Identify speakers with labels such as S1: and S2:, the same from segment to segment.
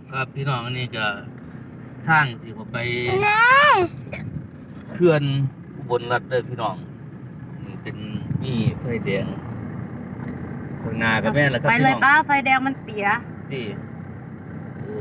S1: ครับพี่น้องอันนี้ก็ทางสิผมไปเขื่อนอุบลรัฐเด้อพี่น้องนี่เป็นมีไฟแดงข้างหน้ากับแม่นแล้วครับ
S2: ไป
S1: พี่
S2: เล
S1: น้
S2: ย
S1: อง
S2: ป้าไฟแดงมันเสีย
S1: นี่โอ้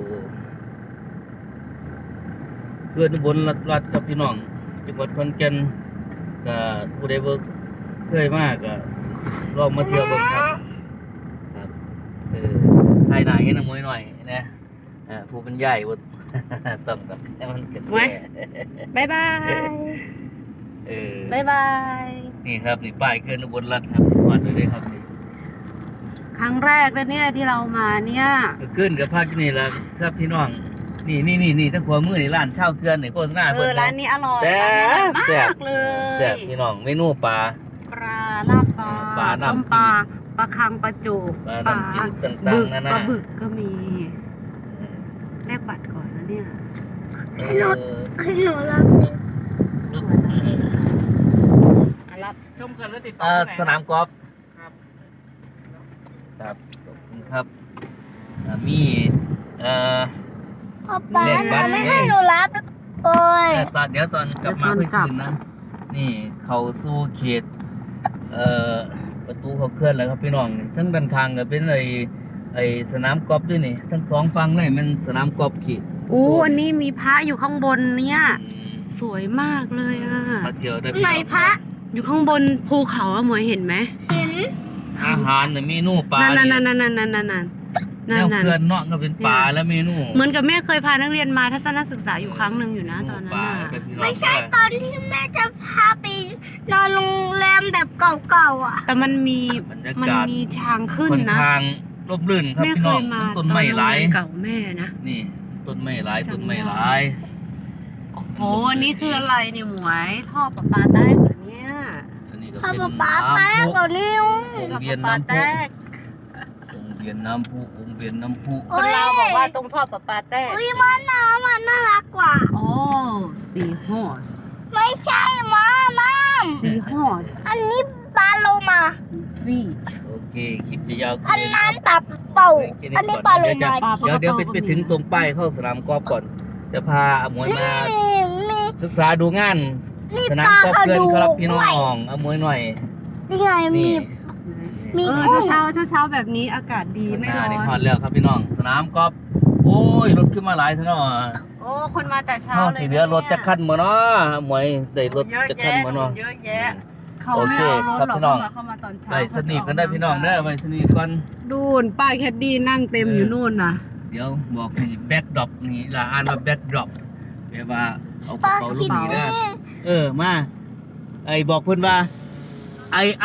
S1: เขื่อนอุบลรัฐครับพี่น้องจังหวัดขอนแก่นก็ผู้ใดบ่เคยมาก็ลองมาเที่ยวเบิ่งครับครับไทยหน้าเห็นน้ำมวยหน่อยนะผู้เป็นใหญ่บ่ ต้องให้มันเกิด
S2: ไว้ บ๊ายบาย บ๊ายบาย
S1: นี่ครับนี่ป้ายเขื่อนอุบลรัฐครับวาดไว้เลยครับนี่
S2: ครั้งแรกเลยเนี่ยที่เรามาเนี่ย
S1: เขื่อนกับภาคที่นี่ละครับพี่น้องนี่ทั้งขวามือนี่ร้านเช่าเขื่อนนี่โฆษณาเพิ่น
S2: ร้านนี้อร่อย
S1: แซ่บ
S2: ร้านนี้อร่อย
S1: แซ่บ
S2: มากเลย
S1: แซ่บพี่น้องเมนูปลา
S2: ปลาลาบปลา
S1: ปลาน้ำ
S2: ต้มปลาปลาคังปลาจูก
S1: ปลาน้ำจิ้มต่างๆ
S2: บึก
S1: นานา
S2: ปลาบึกก็มีแลกบัตรก่อนนะเนี่ย
S1: ให้รถ
S3: ให้หนูรับเอง
S2: รับ
S4: ชมกันแล้วติดต่อที่ไหน
S1: สนามกอล์ฟ
S4: ครับ
S1: ครับขอบคุณครับมี
S3: พ่อป้า
S1: เรียกบั
S3: นะ
S1: ตร
S3: ไม่ให้หนูรับโอ้ย
S1: เดี๋ยวตอนกลับมาค่อยคืนนะนี่เขาสู่เขตประตูเขาเคลื่อนแล้วครับพี่น้องทั้งด้านข้างก็เป็นไอ้สนามกอล์ฟด้วยนี่ทั้งสองฝั่งเลยมันสนามกอล์ฟเขต
S2: อันนี้มีพระอยู่ข้างบนเนี่ยสวยมากเลยอ่ะ
S1: มาเที่ยวได้พี่
S3: ไหน
S1: น้อง
S3: พระ
S2: อยู่ข้างบนภูเขาอะหมวยเห็นไหม
S3: เห็น
S1: อาหารเนี่ยเมนูปลา
S2: นั่น
S1: เนี่ย
S2: ๆ
S1: แนวเขื่อนเนาะก็เป็นปลาและเมนู
S2: เหมือนกับแม่เคยพานักเรียนมาทัศนศึกษาอยู่ครั้งหนึ่งอยู่นะตอนนั้น
S1: ปลา
S2: น่ะ
S1: กับพี่น้อง
S3: ไม่ใช่ตอนที่แม่จะพาไปนอนโรงแรมแบบเก่าๆอ่ะ
S2: แต่มันมี
S1: บรรยา
S2: มัน
S1: กาศ
S2: มีทางขึ้น
S1: ค่อน
S2: นะ
S1: ข้างร่มรื่นครับ
S2: แม่
S1: พี่
S2: เค
S1: น้อง
S2: ยมา
S1: ต้นไม้หลาย
S2: ตอนโรงเรียนเก่าแม่นะ
S1: นี่ต้นไม้หลาย
S2: จำ
S1: ต้นไม้
S2: ได้
S1: หลาย
S2: โอ้อันนี้คืออะไรเนี่ยหมวยท่อประปาแตกเหรอเนี่ย
S1: อันนี้ก็
S3: พ่อ
S1: เป็น
S3: ป๊าแตกกว่านิ้ว
S1: วง
S2: ท่อ
S1: เวียน
S2: ประปา
S1: น้ำ
S2: แต
S1: พุ
S2: ก
S1: วงเวียนน้ำพุวงเวียนน้ำพุ
S2: คนเราบอกว่าตรงท่อประปาแตก
S3: อุ้ยมันน่ารักกว่า
S2: โอ้ซีฮอส
S3: ไม่ใช่มาม่าม
S2: ซีฮอส
S3: อันนี้ปลาโลมา
S2: ฟี
S1: โอเคคลิปจะยาวขึ้
S3: อันนั้นตับเป่า อันนี้ปลาโลมา
S1: เดี๋ยวไปถึงตรงป้ายเข้าสนามกอล์ฟก่อน จะพาอมวยมา
S3: มี
S1: ศึกษาดูงาน
S3: นี่
S1: สนา
S3: ป
S1: ม
S3: ลาก
S1: อล์ฟ
S3: เขา
S1: เพื่อน
S3: ดู
S1: ครับพี่น้
S3: ด้วย
S1: องอมวยหน่อย
S3: นี่ไงมี
S1: นี่
S3: มี
S2: เช้าแบบนี้อากาศดีไม่ร้อ
S1: นี่ฮอด
S2: น
S1: แล้วครับพี่น้องสนามกอล์ฟโอ้ยรถขึ้นมาหลายซะเนาะ
S2: โอ้คนมาแต่เช้า
S1: เฮา
S2: เลย
S1: สิเหลือรถจะคันบ่เนาะหมวยได้รถ
S2: เยอะ
S1: จะคัน
S2: แยะ
S1: บ่เนาะ
S2: เยอะแยะเขา
S1: โอ
S2: ไม่
S1: เค
S2: เอารถ
S1: ครับ
S2: หรอก
S1: พี่น้อง
S2: เข้ามาตอนเช้า
S1: ไปสนิทกันได้พี่น้องเด้อไปสนิทกัน
S2: ดูนป้ายแคดดี้นั่งเต็มอยู่นู่นน่ะ
S1: เดี๋ยวบอกนี่แบ็คดรอปนี่ล่ะอ่านว่าแบ็คดรอปแปลว่าเอาก
S3: ป
S1: ระ
S3: ลา
S1: เป๋าลู
S3: คิ
S1: ก
S3: ด
S1: นี้
S3: นี่
S1: เด้อมาไอ้บอกเพิ่นว่า I